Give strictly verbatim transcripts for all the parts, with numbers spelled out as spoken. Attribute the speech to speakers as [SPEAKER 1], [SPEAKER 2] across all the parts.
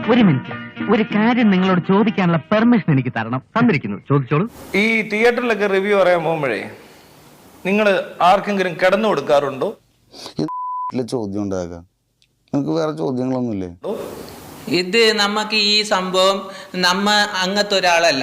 [SPEAKER 1] ഒരു മിനിറ്റ്, ഒരു കാര്യം നിങ്ങളോട് ചോദിക്കാനുള്ള പെർമിഷൻ എനിക്ക് തരണം. തന്നിരിക്കുന്നു, ചോദിച്ചോളൂ.
[SPEAKER 2] ഈ തിയേറ്ററിലൊക്കെ റിവ്യൂ പറയാൻ പോകുമ്പോഴേ നിങ്ങൾ ആർക്കെങ്കിലും കിടന്നു കൊടുക്കാറുണ്ടോ?
[SPEAKER 3] ചോദ്യം ഉണ്ടാകാം, നിങ്ങൾക്ക് വേറെ ചോദ്യങ്ങളൊന്നുമില്ലേ?
[SPEAKER 4] ഇത് നമുക്ക് ഈ സംഭവം നമ്മ അങ്ങനത്തെ ഒരാളല്ല.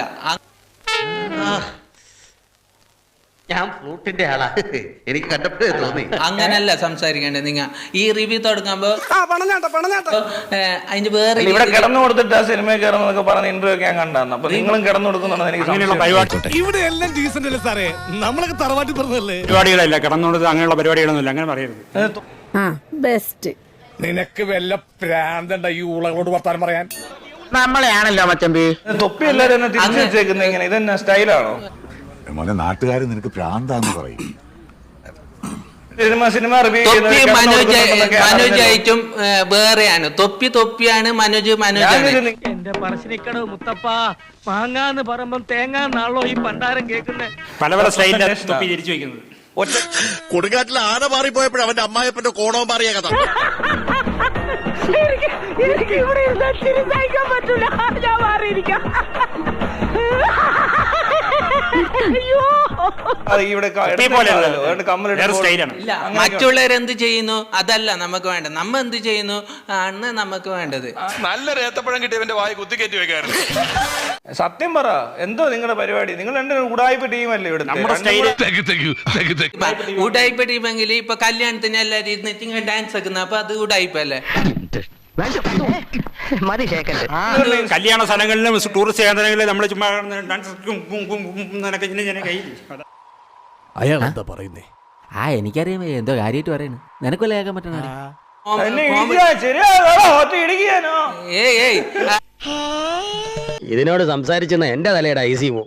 [SPEAKER 5] ഞാൻ ഫ്ലൂട്ടിന്റെ ആളാ, എനിക്ക് കണ്ടപ്പോഴേ തോന്നി.
[SPEAKER 4] അങ്ങനല്ല സംസാരിക്കേണ്ടത്. നിങ്ങ ഈ റിവ്യൂ തുടങ്ങുമ്പോ അതിന്റെ വേറെ
[SPEAKER 2] ഇവിടെ കിടന്നു കൊടുത്തിട്ട് ആ സിനിമയിൽ കയറുന്നതൊക്കെ പറഞ്ഞ ഇന്റർവ്യൂ ഒക്കെ ഞാൻ കണ്ടായിരുന്നു. അപ്പൊ നിങ്ങളും കിടന്നു കൊടുക്കുന്നുണ്ടോ എനിക്ക്
[SPEAKER 6] ഇവിടെ എല്ലാം ഡീസന്റ് അല്ലേ സാറേ, നമ്മളൊക്കെ തറവാട്ടി പറഞ്ഞല്ലേ.
[SPEAKER 7] പരിപാടികളല്ല കിടന്നു കൊടുത്ത് അങ്ങനെയുള്ള പരിപാടികളൊന്നുമില്ല, അങ്ങനെ പറയരുത്.
[SPEAKER 8] ബെസ്റ്റ്.
[SPEAKER 6] നിനക്ക് വല്ല പ്രാന്തണ്ട ഈ ഊളകളോട് വർത്താനം പറയാൻ?
[SPEAKER 1] നമ്മളെയാണല്ലോ മച്ചമ്പി.
[SPEAKER 2] തൊപ്പി എല്ലാരും എന്നെ തിരിച്ചു വെച്ചേക്കുന്നത് ഇങ്ങനെ, ഇതെന്നാ സ്റ്റൈലാണോ?
[SPEAKER 9] മോനെ നാട്ടുകാർ നിനക്ക് പ്രാന്താന്ന് പറയും.
[SPEAKER 2] സിനിമ സിനിമ റിവ്യൂ
[SPEAKER 4] തൊപ്പി മനോജ് മനോജായിട്ടും വേറെയാണ്. തൊപ്പി തൊപ്പിയാണ്, മനോജ് മനോജാണ്.
[SPEAKER 1] എന്റെ പറശ്ശിനിക്കടവ് മുത്തപ്പ, മാങ്ങാന്ന് പറയുമ്പം തേങ്ങാന്നാണല്ലോ ഈ പണ്ടാരം കേൾക്കുന്നത്.
[SPEAKER 7] പല പല സ്റ്റൈലിന്റെ തൊപ്പി തിരിച്ചു വെക്കുന്നത്.
[SPEAKER 9] കൊടുങ്കാറ്റിൽ ആന മാറിപ്പോയപ്പോഴും അവന്റെ അമ്മായപ്പന്റെ കോണവും മാറിയ കഥ.
[SPEAKER 8] എനിക്ക് ഇവിടെ ഇരുന്ന് ചിരിക്കാൻ പറ്റൂല, ഞാൻ മാറിയിരിക്കാം.
[SPEAKER 4] ഇല്ല, മറ്റുള്ളവരെന്ത് ചെയ്യുന്നു അതല്ല നമുക്ക് വേണ്ടത്, നമ്മ എന്ത് ചെയ്യുന്നു ആണ് നമുക്ക് വേണ്ടത്.
[SPEAKER 6] നല്ലൊരു ഏത്തപ്പഴം കിട്ടിയവന്റെ വായി കുത്തിക്കയറ്റി വെക്കാറുണ്ട്.
[SPEAKER 2] സത്യം പറ, എന്തോ നിങ്ങളുടെ പരിപാടി? നിങ്ങൾ രണ്ട് ഉടായ്പ ടീമല്ലേ ഇവിടെ?
[SPEAKER 4] ഉടായ്പ ടീമെങ്കിൽ ഇപ്പൊ കല്യാണത്തിന് എല്ലാരും ഇരുന്ന് ഡാൻസ് വെക്കുന്ന, അപ്പൊ അത് ഉടായ്പല്ലേ?
[SPEAKER 7] കല്യാണ സ്ഥലങ്ങളിലും ടൂറിസ്റ്റ് കേന്ദ്രങ്ങളിലും നമ്മൾ ചുമ്മാ ഡാൻസ്
[SPEAKER 6] അയാൾ എന്താ പറയുന്നേ?
[SPEAKER 5] ആ എനിക്കറിയാം എന്തോ കാര്യമായിട്ട് പറയുന്നു, നിനക്കല്ലേ കേൾക്കാൻ പറ്റണ.
[SPEAKER 4] ഏയ് ഏയ്
[SPEAKER 5] ഇതിനോട് സംസാരിച്ചെന്ന എന്റെ തലയുടെ ഐ സി